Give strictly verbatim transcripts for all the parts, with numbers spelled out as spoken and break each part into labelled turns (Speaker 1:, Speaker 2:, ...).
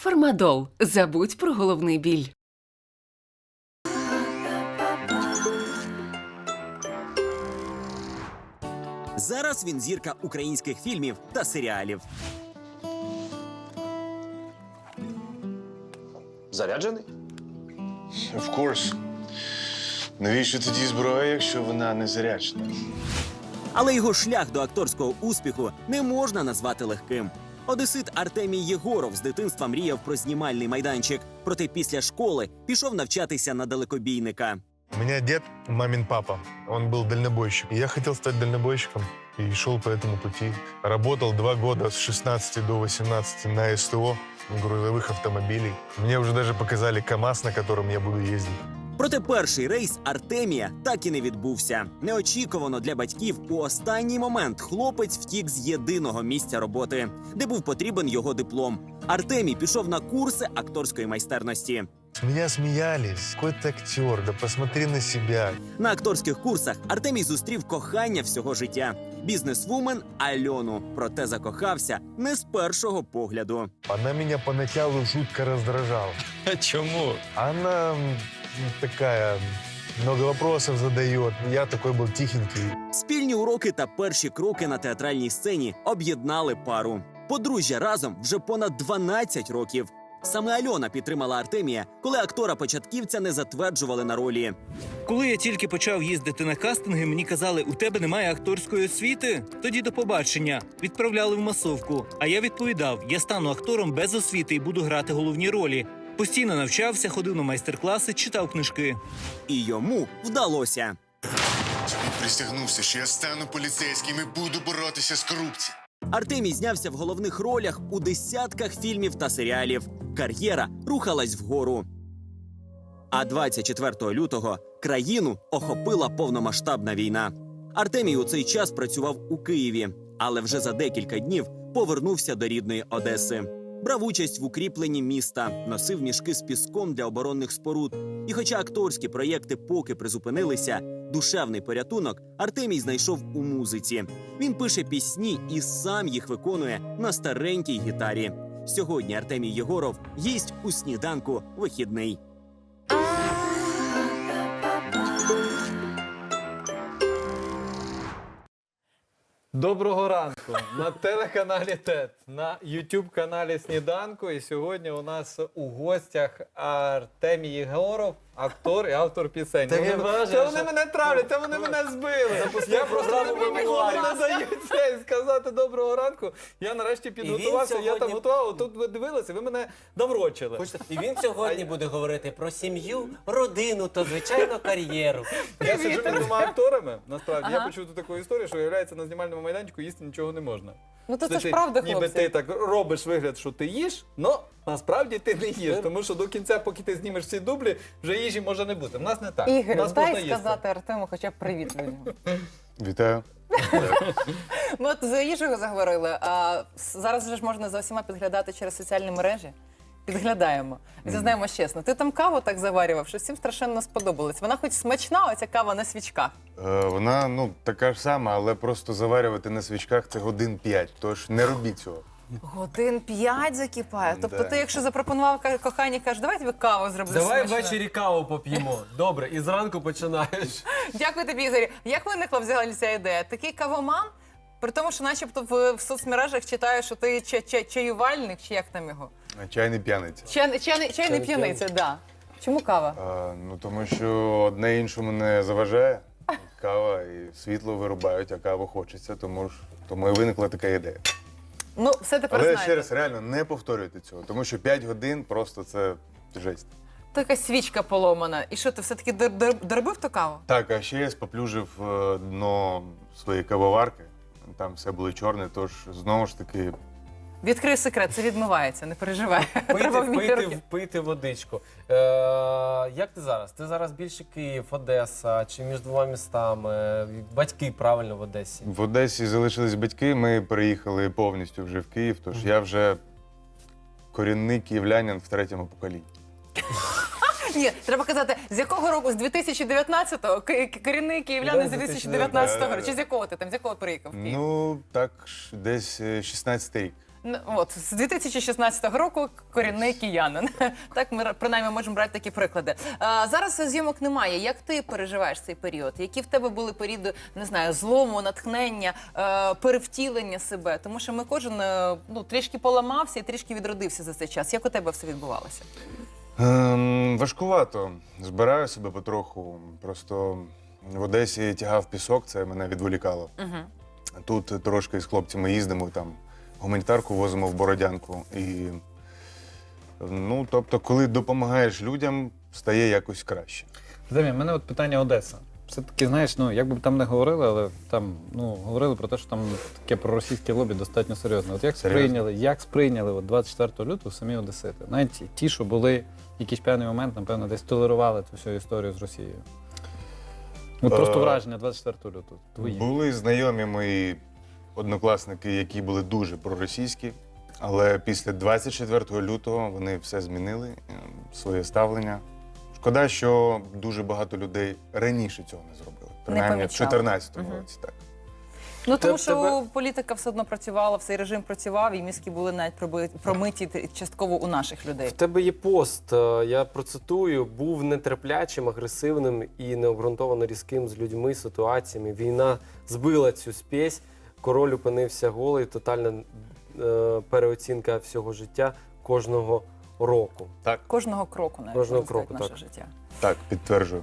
Speaker 1: Фармадол. Забудь про головний біль.
Speaker 2: Зараз він зірка українських фільмів та серіалів.
Speaker 3: Заряджений?
Speaker 4: Of course. Навіщо тоді зброя, якщо вона не заряджена?
Speaker 2: Але його шлях до акторського успіху не можна назвати легким. Одесит Артемій Єгоров з дитинства мріяв про знімальний майданчик, проте після школи пішов навчатися на далекобійника.
Speaker 4: У меня дед, мамин папа, он был дальнобойщик. И я хотел стать дальнобойщиком и шел по этому пути. Работал два года с шестнадцати до восемнадцати на СТО грузовых автомобилей. Мне уже даже показали КАМАЗ, на котором я буду ездить.
Speaker 2: Проте перший рейс Артемія так і не відбувся. Неочікувано для батьків у останній момент хлопець втік з єдиного місця роботи, де був потрібен його диплом. Артемій пішов на курси акторської майстерності.
Speaker 4: С меня смеялись. Какой ты актер, да посмотри на себя.
Speaker 2: На акторських курсах Артемій зустрів кохання всього життя – бізнесвумен Альону. Проте закохався не з першого погляду.
Speaker 4: Она меня поначалу жутко раздражала.
Speaker 3: Чому?
Speaker 4: Она м, такая, много вопросов задает. Я такой был тихенький.
Speaker 2: Спільні уроки та перші кроки на театральній сцені об'єднали пару. Подружжя разом вже понад дванадцять років. Саме Альона підтримала Артемія, коли актора-початківця не затверджували на ролі.
Speaker 5: Коли я тільки почав їздити на кастинги, мені казали, у тебе немає акторської освіти? Тоді до побачення. Відправляли в масовку. А я відповідав, я стану актором без освіти і буду грати головні ролі. Постійно навчався, ходив на майстер-класи, читав книжки.
Speaker 2: І йому вдалося.
Speaker 4: Присягнувся, що я стану поліцейським і буду боротися з корупцією.
Speaker 2: Артемій знявся в головних ролях у десятках фільмів та серіалів. Кар'єра рухалась вгору. А двадцять четвертого лютого країну охопила повномасштабна війна. Артемій у цей час працював у Києві, але вже за декілька днів повернувся до рідної Одеси. Брав участь в укріпленні міста, носив мішки з піском для оборонних споруд. І хоча акторські проєкти поки призупинилися, душевний порятунок Артемій знайшов у музиці. Він пише пісні і сам їх виконує на старенькій гітарі. Сьогодні Артемій Єгоров їсть у сніданку вихідний.
Speaker 6: Доброго ранку на телеканалі ТЕТ, на ютуб-каналі Сніданку. І сьогодні у нас у гостях Артемій Єгоров, актор і автор пісень.
Speaker 3: Ти
Speaker 6: Вони-
Speaker 3: не вважаєш,
Speaker 6: Це вони
Speaker 3: що-
Speaker 6: мене травлять, це вони мене збили.
Speaker 3: Запусти
Speaker 6: Я просто
Speaker 3: програму
Speaker 6: не
Speaker 3: «Мемуарів».
Speaker 6: не даю це сказати доброго ранку. Я нарешті підготувався, я там
Speaker 3: сьогодні-
Speaker 6: готував, тут ви дивилися, ви мене наврочили.
Speaker 7: Хочете, і він сьогодні буде говорити про сім'ю, родину та, звичайно, кар'єру.
Speaker 6: Я сиджу між двома акторами, насправді. Я почув таку історію, що, виявляється, на знімальному майданчику їсти нічого не можна.
Speaker 8: Ну то це
Speaker 6: Це
Speaker 8: ж
Speaker 6: ти-
Speaker 8: правда,
Speaker 6: ніби
Speaker 8: хлопці.
Speaker 6: ти так робиш вигляд, що ти їш, але насправді ти не їш. Тому що до кінця, поки ти знімеш ці дублі, вже їжі може не бути. В нас не так. У
Speaker 8: Ігор,
Speaker 6: нас можна
Speaker 8: дай
Speaker 6: їсти.
Speaker 8: сказати Артему хоча б привіт людям.
Speaker 4: Вітаю.
Speaker 8: Ми от за їжею заговорили, а с- зараз вже ж можна за усіма підглядати через соціальні мережі. Підглядаємо. І зізнаємось чесно, ти там каву так заварював, що всім страшенно сподобалось. Вона хоч смачна, оця кава на свічках.
Speaker 4: Е, вона, ну, така ж сама, але просто заварювати на свічках – це годин п'ять, тож не робіть цього.
Speaker 8: Годин п'ять закипає. Тобто
Speaker 4: Да.
Speaker 8: ти, якщо запропонував ка- коханій, кажеш, давай тобі каву зроблю
Speaker 3: Давай
Speaker 8: смачну».
Speaker 3: ввечері каву поп'ємо. Добре, і зранку починаєш.
Speaker 8: Дякую тобі, Ігорі. Як виникла взагалі ця ідея? Такий кавоман, при тому, що начебто в, в соцмережах читаю, що ти ча- ча- чаювальник, чи як там його?
Speaker 4: Чайний п'яниця.
Speaker 8: Чай, чайний, чайний п'яниця, так. Да. Чому кава?
Speaker 4: А, ну, тому що одне іншому не заважає. Кава і світло вирубають, а каву хочеться, тому, ж, тому і виникла така ідея.
Speaker 8: Ну, все тепер
Speaker 4: Але
Speaker 8: знаєте.
Speaker 4: ще раз, реально, не повторюйте цього, тому що п'ять годин просто це жесть.
Speaker 8: То якась свічка поломана. І що, ти все-таки дор- дор- доробив ту каву?
Speaker 4: Так, а ще я споплюжив е, дно своєї кавоварки. Там все було чорне, тож знову ж таки
Speaker 8: Відкрий секрет, це відмивається, не переживай. Треба
Speaker 3: Пити,
Speaker 8: вміти
Speaker 3: пити,
Speaker 8: руки.
Speaker 3: пити водичку. Е, як ти зараз? Ти зараз більше Київ, Одеса, чи між двома містами? Батьки правильно в Одесі?
Speaker 4: в Одесі залишились батьки, ми переїхали повністю вже в Київ, тож я вже корінний київлянин в третьому поколінні.
Speaker 8: Ні, треба казати, з якого року? З дві тисячі дев'ятнадцятого? Ки- ки- Корінний київлянин з дві тисячі дев'ятнадцятого року. Чи з якого ти там? З якого приїхав в Київ?
Speaker 4: Ну, так, ж, десь е, шістнадцятий рік.
Speaker 8: Ну, от, з дві тисячі шістнадцятого року корінний киянин. Так ми принаймні можемо брати такі приклади. А, зараз зйомок немає. Як ти переживаєш цей період? Які в тебе були періоди, не знаю, злому, натхнення, е, перевтілення себе? Тому що ми кожен е, ну, трішки поламався і трішки відродився за цей час. Як у тебе все відбувалося?
Speaker 9: Ем, важкувато. Збираю себе потроху. Просто в Одесі тягав пісок, це мене відволікало.
Speaker 8: Угу.
Speaker 9: Тут трошки з хлопцями їздимо, там гуманітарку возимо в Бородянку. І, ну, тобто, коли допомагаєш людям, стає якось краще.
Speaker 6: Дем'ян, в мене от питання Одеса. Все-таки, знаєш, ну, як би там не говорили, але там, ну, говорили про те, що там таке проросійське лобі достатньо серйозне. От як
Speaker 9: Серйозно?
Speaker 6: сприйняли, як сприйняли от двадцять четвертого лютого самі одесити? Навіть ті, що були в якийсь певний момент, напевно, десь толерували цю всю історію з Росією. От просто
Speaker 9: Е,
Speaker 6: враження двадцять четвертого лютого. Твої.
Speaker 9: Були знайомі мої однокласники, які були дуже проросійські, але після двадцять четвертого лютого вони все змінили, е, своє ставлення. Шкода, що дуже багато людей раніше цього не зробили. Принаймні в
Speaker 8: помічали.
Speaker 9: чотирнадцятому
Speaker 8: Мгм.
Speaker 9: році, так.
Speaker 8: Ну, тому
Speaker 3: Теб-
Speaker 8: що
Speaker 3: тебе-
Speaker 8: політика все одно працювала, цей режим працював, і мізки були навіть проби- промиті т- частково у наших людей.
Speaker 3: В тебе є пост, е, я процитую, був нетерплячим, агресивним і необґрунтовано різким з людьми, ситуаціями. Війна збила цю спесь, король опинився голий, тотальна е, переоцінка всього життя кожного року.
Speaker 8: Кожного кроку навіть
Speaker 3: Кожного
Speaker 8: можна сказати,
Speaker 3: кроку,
Speaker 8: наше
Speaker 3: так.
Speaker 8: життя.
Speaker 9: Так, підтверджую.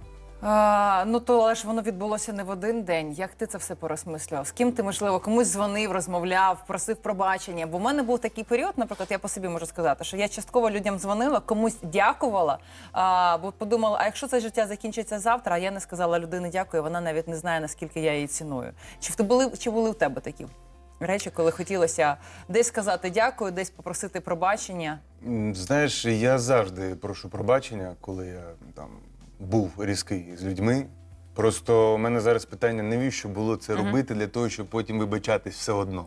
Speaker 8: А, ну то але ж воно відбулося не в один день. Як ти це все порозмисляв? З ким ти, можливо, комусь дзвонив, розмовляв, просив пробачення? Бо в мене був такий період, наприклад, я по собі можу сказати, що я частково людям дзвонила, комусь дякувала, а, бо подумала, а якщо це життя закінчиться завтра, а я не сказала людині дякую, вона навіть не знає, наскільки я її ціную. Чи в ти були, чи були в тебе такі речі, коли хотілося десь сказати дякую, десь попросити пробачення?
Speaker 9: М, Знаєш, я завжди прошу пробачення, коли я там був різкий з людьми. Просто у мене зараз питання, навіщо було це робити для того, щоб потім вибачатись все одно.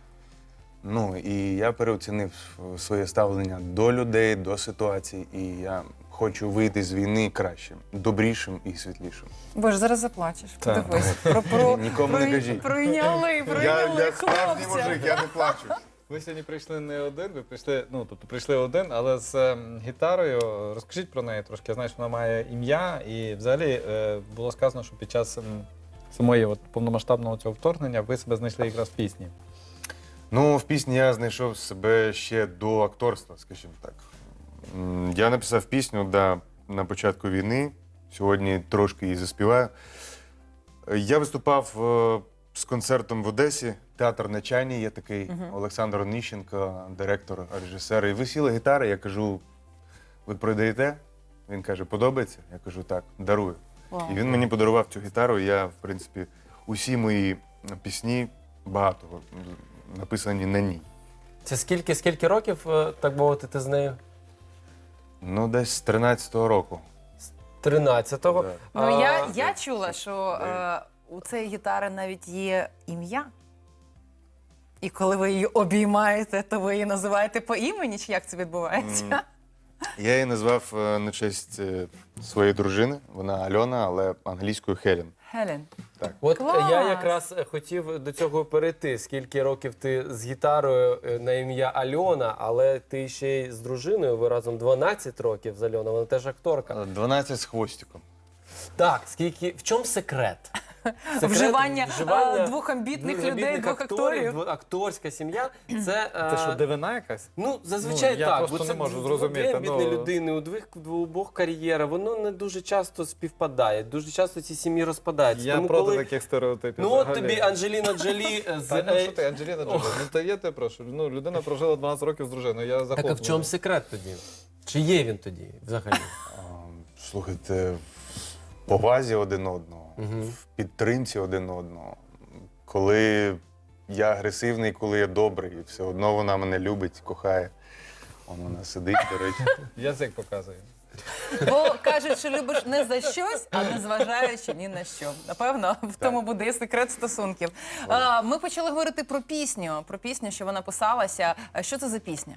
Speaker 9: Ну, і я переоцінив своє ставлення до людей, до ситуацій, і я хочу вийти з війни кращим, добрішим і світлішим.
Speaker 8: Боже, зараз заплачеш.
Speaker 6: Так.
Speaker 8: Подивись. Про, про,
Speaker 9: Нікому не
Speaker 8: про-
Speaker 9: кажіть.
Speaker 8: Пройняли, пройняли хлопця.
Speaker 9: я не плачу.
Speaker 6: Ви сьогодні прийшли не один, ви прийшли, ну, тобто прийшли один, але з ем, гітарою. Розкажіть про неї трошки. Я знаю, що вона має ім'я, і взагалі е, було сказано, що під час ем, самої от, повномасштабного цього вторгнення ви себе знайшли якраз в пісні.
Speaker 9: Ну, в пісні я знайшов себе ще до акторства, скажімо так. М, Я написав пісню да, на початку війни, сьогодні трошки її заспіваю. Я виступав е, з концертом в Одесі, театр на Чайні, є такий Олександр Оніщенко, директор, режисер. І висіла гітара, я кажу, ви продаєте? Він каже, подобається? Я кажу, так, дарую.
Speaker 8: Вау.
Speaker 9: І він мені подарував цю гітару, і я, в принципі, усі мої пісні, багато написані на ній.
Speaker 3: Це скільки, скільки років, е, так мовити, ти з нею?
Speaker 9: Ну, десь з тринадцятого року.
Speaker 3: тринадцятого.
Speaker 9: Да.
Speaker 8: Ну,
Speaker 3: А,
Speaker 8: я, я чула, що е, у цієї гітари навіть є ім'я. І коли ви її обіймаєте, то ви її називаєте по імені, чи як це відбувається?
Speaker 9: М. Я її назвав е, на честь е, своєї дружини. Вона Альона, але англійською Хелен.
Speaker 8: Хелен.
Speaker 3: От
Speaker 8: Клас!
Speaker 3: я якраз хотів до цього перейти. Скільки років ти з гітарою е, на ім'я Альона, але ти ще й з дружиною, ви разом дванадцять років з Альоною, вона теж акторка.
Speaker 9: дванадцять з хвостиком.
Speaker 3: Так, скільки, в чому секрет? Секрет
Speaker 8: Вживання,
Speaker 3: вживання
Speaker 8: е, двох амбітних
Speaker 3: двох
Speaker 8: людей,
Speaker 3: амбітних
Speaker 8: двох акторів.
Speaker 3: дво- Акторська сім'я. Це, е,
Speaker 6: Це що, дивина якась?
Speaker 3: Ну, зазвичай
Speaker 6: Ну, я
Speaker 3: так.
Speaker 6: просто
Speaker 3: бо
Speaker 6: не
Speaker 3: це
Speaker 6: можу
Speaker 3: дв-
Speaker 6: зрозуміти,
Speaker 3: Дві амбітні
Speaker 6: ну.
Speaker 3: людини, у двох, у обох кар'єра, воно не дуже часто співпадає. Дуже часто ці сім'ї розпадаються.
Speaker 6: Я
Speaker 3: Тому
Speaker 6: проти
Speaker 3: коли...
Speaker 6: таких стереотипів.
Speaker 3: Ну от
Speaker 6: взагалі.
Speaker 3: тобі Анджеліна Джолі з...
Speaker 6: Та, ну
Speaker 3: е,
Speaker 6: що ти, Анджеліна Джолі, ну та я тебе прошу. Ну, людина прожила дванадцять років з дружиною, я
Speaker 3: Так а в
Speaker 6: захоплений.
Speaker 3: чому секрет тоді? Чи є він тоді взагалі?
Speaker 9: А, Слухайте, в повазі один одного,
Speaker 3: Мгм.
Speaker 9: в підтримці один одного. Коли я агресивний, коли я добрий, все одно вона мене любить, кохає. Он вона сидить, до речі.
Speaker 6: Язик показує.
Speaker 8: Бо кажуть, що любиш не за щось, а не зважаючи ні на що. Напевно, в тому буде і секрет стосунків. А, ми почали говорити про пісню, про пісню, що вона писалася. А що це за пісня?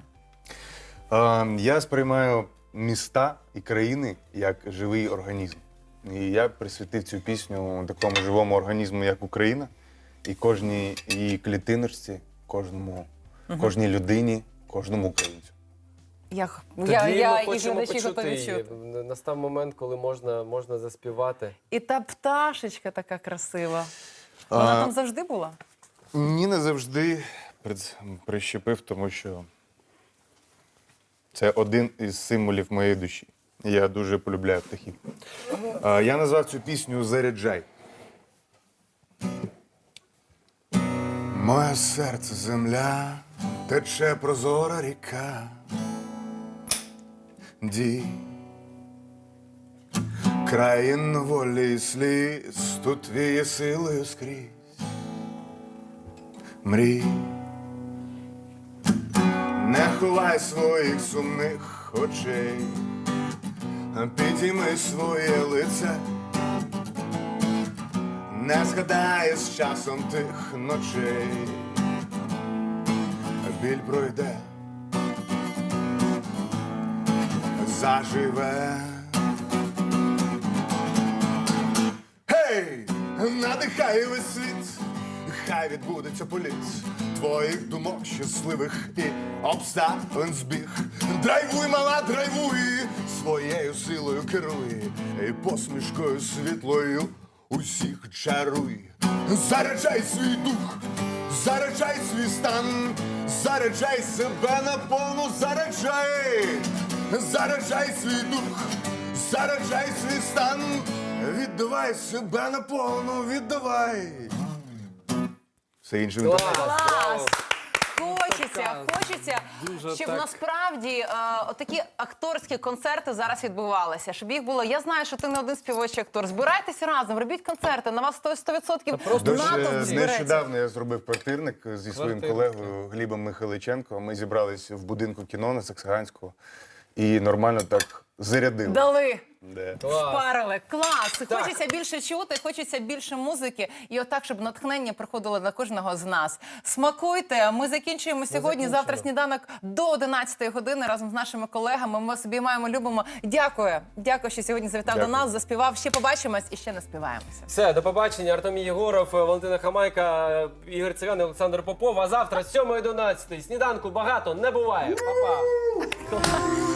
Speaker 9: А, Я сприймаю міста і країни як живий організм. І я присвятив цю пісню такому живому організму, як Україна, і кожній її клітиночці, кожному кожній людині, кожному українцю.
Speaker 8: Я,
Speaker 3: Тоді
Speaker 8: я, я
Speaker 3: ми
Speaker 8: і
Speaker 3: хочемо
Speaker 8: глядачі
Speaker 3: почути
Speaker 8: готові
Speaker 3: її.
Speaker 8: чути.
Speaker 3: Настав момент, коли можна, можна заспівати.
Speaker 8: І та пташечка така красива. Вона
Speaker 9: А,
Speaker 8: там завжди була?
Speaker 9: Ні, не завжди прид- прищепив, тому що це один із символів моєї душі. Я дуже полюбляю птахів. А, Я назвав цю пісню «Заряджай». Моє серце земля, тече прозора ріка. Дій, країн волі і сліз, тут твіє силою скрізь. Мрій, не ховай своїх сумних очей, підійми своє лице, не згадай з часом тих ночей. Біль пройде, заживе. Гей, надихай весь світ, хай відбудеться політ твоїх думок щасливих і обставин збіг. Драйвуй, мала, драйвуй, своєю силою керуй, і посмішкою світлою усіх чаруй. Заряджай свій дух, заряджай свій стан, заряджай себе наповну, заряджай, заряджай свій дух, заряджай свій стан, віддавай себе наповну, віддавай. Все інше
Speaker 3: Клас!
Speaker 8: Клас! Хочеться,
Speaker 3: Така
Speaker 8: хочеться,
Speaker 3: дуже
Speaker 8: щоб
Speaker 3: так.
Speaker 8: насправді е, отакі акторські концерти зараз відбувалися, щоб їх було. Я знаю, що ти не один співочий актор. Збирайтеся разом, робіть концерти, на вас сто відсотків
Speaker 3: просто
Speaker 8: натовп
Speaker 9: Дуже
Speaker 8: збереться.
Speaker 9: нещодавно я зробив квартирник зі своїм
Speaker 6: Квартирник.
Speaker 9: колегою Глібом Михайличенко. Ми зібрались в будинку кіно на Саксаганського і нормально так зарядили.
Speaker 8: Дали.
Speaker 9: Де.
Speaker 8: Впарили. Клас! Хочеться більше чути, хочеться більше музики. І отак, щоб натхнення приходило на кожного з нас. Смакуйте! Ми закінчуємо сьогодні. Завтра сніданок до одинадцятої години разом з нашими колегами. Ми вас обіймаємо, любимо. Дякую. Дякую, що сьогодні завітав
Speaker 9: Дякую.
Speaker 8: до нас, заспівав. Ще побачимось і ще не співаємося.
Speaker 3: Все, до побачення. Артемій Єгоров, Валентина Хамайка, Ігор Циган і Олександр Попов. А завтра з сьомої до одинадцятої сніданку багато не буває. Па-па!